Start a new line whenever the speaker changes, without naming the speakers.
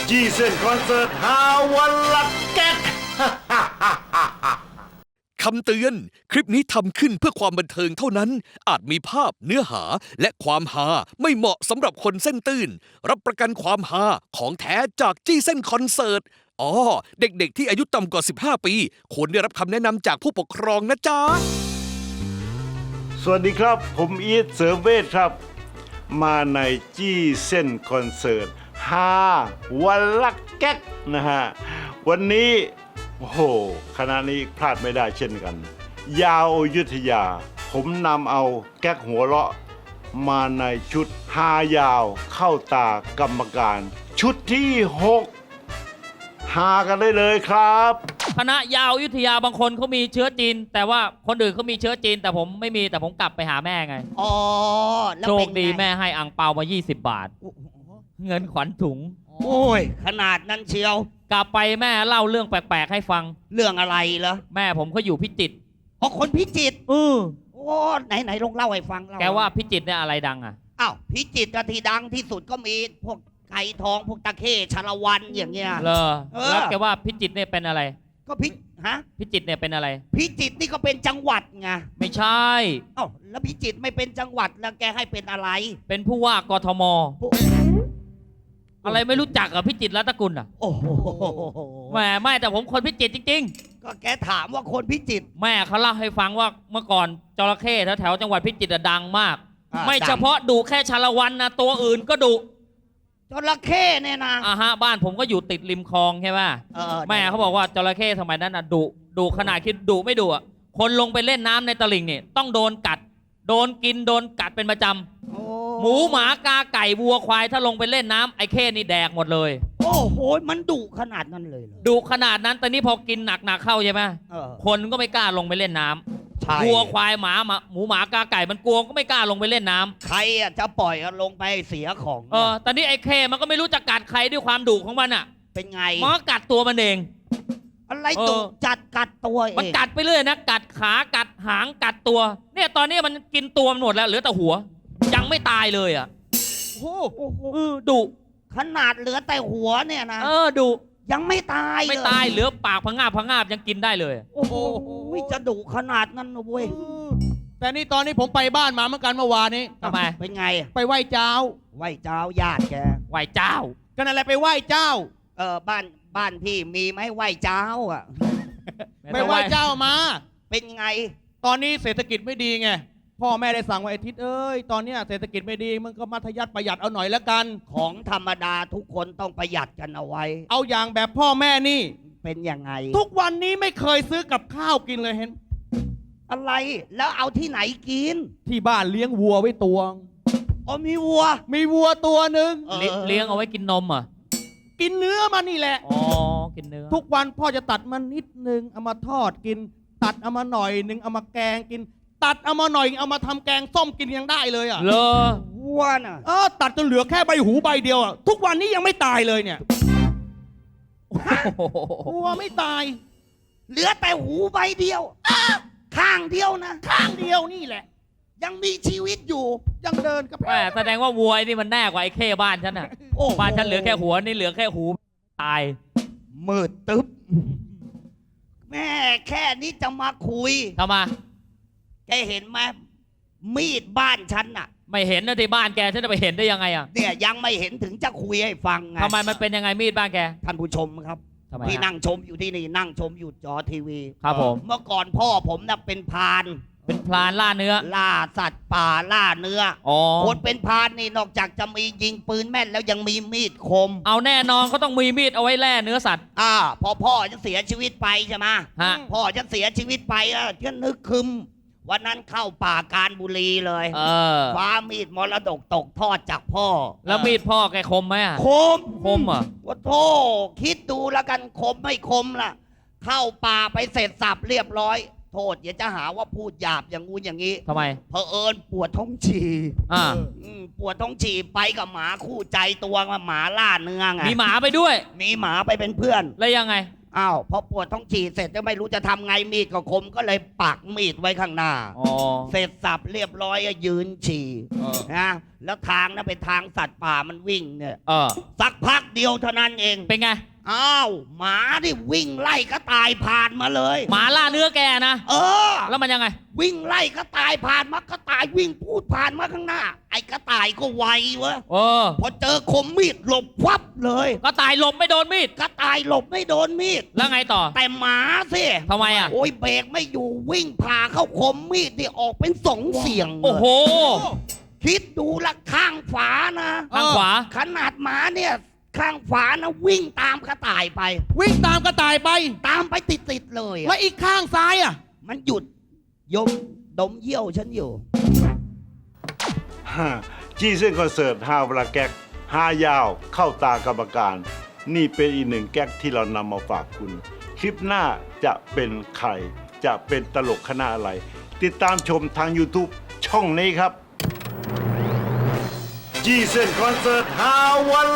จี้เส้นคอนเสิร์ตฮาวันละแก๊ก
คำเตือน คลิปนี้ทำขึ้นเพื่อความบันเทิงเท่านั้น อาจมีภาพเนื้อหาและความฮาไม่เหมาะสำหรับคนเส้นตื่น รับประกันความฮาของแท้จากจี้เส้นคอนเสิร์ต เด็กๆที่อายุต่ำกว่า 15 ปีควรได้รับคำแนะนำจากผู้ปกครองนะจ๊ะ
สวัสดีครับ ผมอีทเสริมเวทครับ มาในจี้เส้นคอนเสิร์ตฮาวันละแก๊กนะฮะ วันนี้โอ้โหคณะนี้พลาดไม่ได้เช่นกัน ยาวอยุธยา ผมนำเอาแก๊กหัวเราะ มาในชุดฮายาวเข้าตากรรมการ ชุดที่ 6 ฮากันได้เลยครับ
คณะยาวอยุธยาบางคนเขามีเชื้อจีน แต่ว่าคนอื่นเขามีเชื้อจีน แต่ผมไม่มีแต่ผมกลับไปหาแม่ไง
อ๋อแล้ว
โช
เป็
คน ดี
ไง
แม่ให้อังเปามา 20 บาท
โอ้โห
เงินขวัญถุง
โอ้ยขนาดนั้นเชียว
กลับไปแม่เล่าเรื่องแปลกๆให้ฟัง
เรื่องอะไรเหรอ
แม่ผมเขาอยู่พิจิตร
เพราะคนพิจิตร
เออ
โอ้ไหนลองเล่าให้ฟังเล่
แกว่าพิจิตรเนี่ยอะไรดังอ่ะ
อ้าวพิจิตรที่ดังที่สุดก็มีพวกไก่ทองพวกตะเข้ชาละวันอย่างเงี้ย
เลอ
เออ
แล้วแกว่าพิจิตรเนี่ยเป็นอะไร
ก็ฮะ
พิจิตรเนี่ยเป็นอะไร
พิจิตรนี่ก็เป็นจังหวัดไง
ไม่ใช่
เอ้าแล้วพิจิตรไม่เป็นจังหวัดแล้วแกให้เป็นอะไร
เป็นผู้ว่ากทม
ผู้
อะไรไม่รู้จักกับพิจิตรรัตนกุลอ่ะ
โอ้โห
แหมไม่แต่ผมคนพิจิตรจริง
ก็แกถามว่าคนพิจิตร
ๆ แม่เขาเล่าให้ฟังว่าเมื่อก่อนจระเข้แถวๆจังหวัดพิจิตรอะดังมาก ไม่เฉพาะดุแค่ชาละวันนะตัวอื่นก็ดุ
จระเข้เนี่ยนะ
บ้านผมก็อยู่ติดริมคลองใช่ไหม
เออ
แม่เขาบอกว่าจระเข้สมัยนั้นน่ะดุขนาดคิดดุไม่ดุอ่ะคนลงไปเล่นน้ำในตลิ่งเนี่ยต้องโดนกัด โดนกินโดนกัดเป็นประจำ
โอ้
หมูหมากาไก่วัวควายถ้าลงไปเล่นน้ำไอ้เข้นี่แดกหมดเลย
โอ้โหมันดุขนาดนั้นเลยเหรอ
ดุขนาดนั้นแต่นี่พอกินหนักๆเข้าใช่ไหม
เออ
คนก็ไม่กล้าลงไปเล่นน้ำ
ใช่
วัวควายหมาหมูหมากาไก่มันกลัวก็ไม่กล้าลงไปเล่นน้ำ
ใครอ่ะจะปล่อยลงไปเสียของ
ตอนนี้ไอ้เข้มันก็ไม่รู้จะกัดใครด้วยความดุของมันอ่ะ
เป็นไง
มันก็กัดตัวมันเอง
อะไรดุจัดกัดตัวเอง
มันกัดไปเรื่อยนะกัดขากัดหางกัดตัว เนี่ยตอนนี้มันกินตัวมันหมดแล้วเหลือแต่หัว ยังไม่ตายเลยอ่ะ
โอ้โห
ดุ
ขนาดเหลือแต่หัวเนี่ยนะ
ดุ
ยังไม่ตาย
ไม่
เลย
ตายเหลือปากพังงาบยังกินได้เลย
โอ้โหจะดุขนาดนั้นนะเว้ย
แต่นี่ตอนนี้ผมไปบ้านมาเหมือนกันเมื่อวานนี้
ทำไม
เป็นไง
ไปไหว้เจ้า
ไหวเจ้าญาติแก
ไหวเจ้า
ก็นั่นแหละไปไหว้เจ้า
บ้านพี่มีไหมไหวเจ้าอ่ะ
ไปไหว้เจ้ามา
เป็นไง
ตอนนี้เศรษฐกิจไม่ดีไงพ่อแม่ได้สั่งว่าไอ้ทิศเอ้ยตอนเนี้ยเศรษฐกิจไม่ดีมึงก็มัธยัติประหยัดเอาหน่อยละกัน
ของธรรมดาทุกคนต้องประหยัดกันเอาไว้
เอาอย่างแบบพ่อแม่นี่
เป็นยังไง
ทุกวันนี้ไม่เคยซื้อกับข้าวกินเลยเห็น
อะไรแล้วเอาที่ไหนกิน
ที่บ้านเลี้ยงวัวไว้ตัว
อ๋อมีวัว
มีวัวตัวหนึ่ง
เลี้ยงเอาไว้กินนมเหรอ่ะ
กินเนื้อมันนี่แหละ
อ๋อกินเนื้อ
ทุกวันพ่อจะตัดมันนิดนึงเอามาทอดกิน ตัดเอามาหน่อยนึงเอามาแกงกิน ตัดเอามาหน่อยเอามาทำแกงส้มกินยังได้เลยอ่ะ
เลอ
วัวน่ะ
ตัดจนเหลือแค่ใบหูใบเดียวอ่ะทุกวันนี้ยังไม่ตายเลยเนี่ยวัวไม่ตาย
เหลือแต่หูใบเดียวข้างเดียวนะ
ข้างเดียวนี่แหละ
ยังมีชีวิตอยู่
ยังเดินกับ
แหมแสดงว่าวัวไอ้นี่มันแน่กว่าไอ้เข้บ้านฉันอ่ะ
โอ้
บ้านฉันเหลือแค่หัวนี่เหลือแค่หูตาย
มืดตึ๊บแม่แค่นี้จะมาคุย
ทำไม
แกเห็นไหมมีดบ้านฉันน่ะ
ไม่เห็นนะที่บ้านแกฉันจะไปเห็นได้ยังไงอ่ะ
เนี่ยยังไม่เห็นถึงจะคุยให้ฟังไง
ทำไมมันเป็นยังไงมีดบ้านแก
ท่านผู้ชมครับ
ทำไม
ที่
ฮะ
นั่งชมอยู่ที่นี่นั่งชมอยู่จอทีวี
ครับผม
เมื่อก่อนพ่อผมน่ะเป็นพราน
เป็นพลานล่าเนื้อ
ล่าสัตว์ป่าล่าเนื้อ
อ๋อ
คนเป็นพรานนี่นอกจากจะมียิงปืนแม่นแล้วยังมีมีดคม
เอาแน่นอนเขาต้องมีมีดเอาไว้แล่เนื้อสัตว์
พอพ่อจะเสียชีวิตไปใช่ไหม
ฮะ
พ่อจะเสียชีวิตไปก็นึกคึมวันนั้นเข้าป่าการบุรีเลย คว้ามีดมรดกตกทอดจากพ่อ
แล้วมีดพ่อแกคมไหมอ่ะ
คม
คมเหรอ
ว่าโธ่คิดดูแล้วกันคมไม่คมล่ะ เข้าป่าไปเสร็จสับเรียบร้อย โทษอย่าจะหาว่าพูดหยาบอย่างงู้นอย่างนี้
ทำไม
เผอิญปวดท้องฉี่
อ่า
ปวดท้องฉี่ไปกับหมาคู่ใจตัวหมาล่าเนื้อไง
มีหมาไปด้วย
มีหมาไปเป็นเพื่อน
แล้วยังไง
อ้าวพอปวดท้องฉี่เสร็จจะไม่รู้จะทำไงมีดก็คมก็เลยปักมีดไว้ข้างหน้า
อ๋อ
เสร็จสับเรียบร้อยก็ยืนฉี่นะแล้วทางนั้นเป็นทางสัตว์ป่ามันวิ่งเนี่ย สักพักเดียวเท่านั้นเอง
เป็นไง
อ้าวหมาที่วิ่งไล่ก็ตายผ่านมาเลย
หมาล่าเนื้อแกนะ
เออ
แล้วมันยังไง
วิ่งไล่ก็ตายผ่านมากระต่ายวิ่งพูดผ่านมาข้างหน้า ไอ้กระต่ายก็ไวเว้ย พอเจอคมมีดหลบวับเลย
ก็ตายหลบไม่โดนมีด
กระต่ายหลบไม่โดนมีด
แล้วไงต่อ
แต่หมาสิ
ทำไมอ่ะ
โอ้ยเบรกไม่อยู่วิ่งผ่าเข้าคมมีดที่ออกเป็น2 เสียงเลย
โอ้โห
คิดดูละข้างฝานะ
ข้างขวา
ขนาดหมาเนี่ยข้างฝานะวิ่งตามกระต่ายไป
วิ่งตามกระต่ายไป
ตามไปติดๆเลยอะ
แล้วอีกข้างซ้ายอ่ะ
มันหยุดดมเยี่ยวฉันอยู่
จี้เส้นคอนเสิร์ตฮาวลาแก๊กฮายาวเข้าตากรรมการ นี่เป็นอีกหนึ่งแก๊กที่เรานำมาฝากคุณ คลิปหน้าจะเป็นใคร จะเป็นตลกคณะอะไร ติดตามชมทาง YouTube ช่องนี้ครับ จี้เส้นคอนเสิร์ตฮาว